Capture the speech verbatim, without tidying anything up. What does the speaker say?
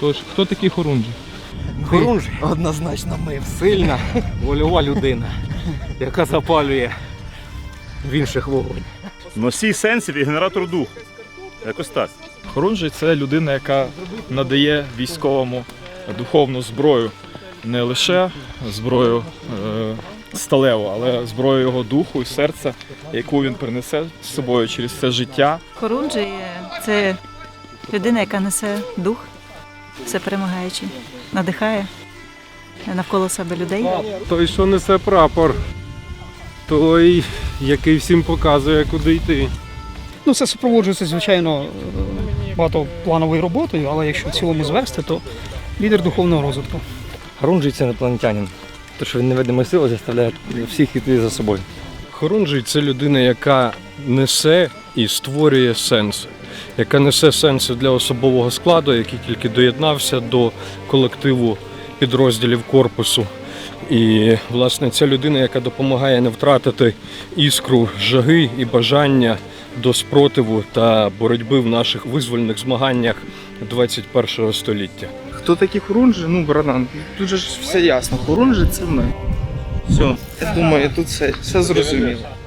Тож, хто такий Хорунжий? Хорунжий? Однозначно ми. Сильна, вольова людина, яка запалює в інших вогонь. Носій сенсів і генератор духу. Якось так. Хорунжий – це людина, яка надає військовому духовну зброю. Не лише зброю е, сталеву, але зброю його духу і серця, яку він принесе з собою через це життя. Хорунжий – це людина, яка несе дух, все перемагаючи, надихає навколо себе людей. Той, що несе прапор, той, який всім показує, куди йти. Ну, це супроводжується, звичайно, багатоплановою роботою, але якщо в цілому звести, то лідер духовного розвитку. Хорунжий – це інопланетянин. Те, що він невидимою силою заставляє всіх йти за собою. Хорунжий – це людина, яка несе і створює сенси. Яка несе сенси для особового складу, який тільки доєднався до колективу підрозділів корпусу. І, власне, це людина, яка допомагає не втратити іскру жаги і бажання до спротиву та боротьби в наших визвольних змаганнях двадцять першого століття. Хто такий Хорунжий? Ну, братан, тут же ж все ясно. Хорунжий – це ми. Все, я думаю, тут все, все зрозуміло.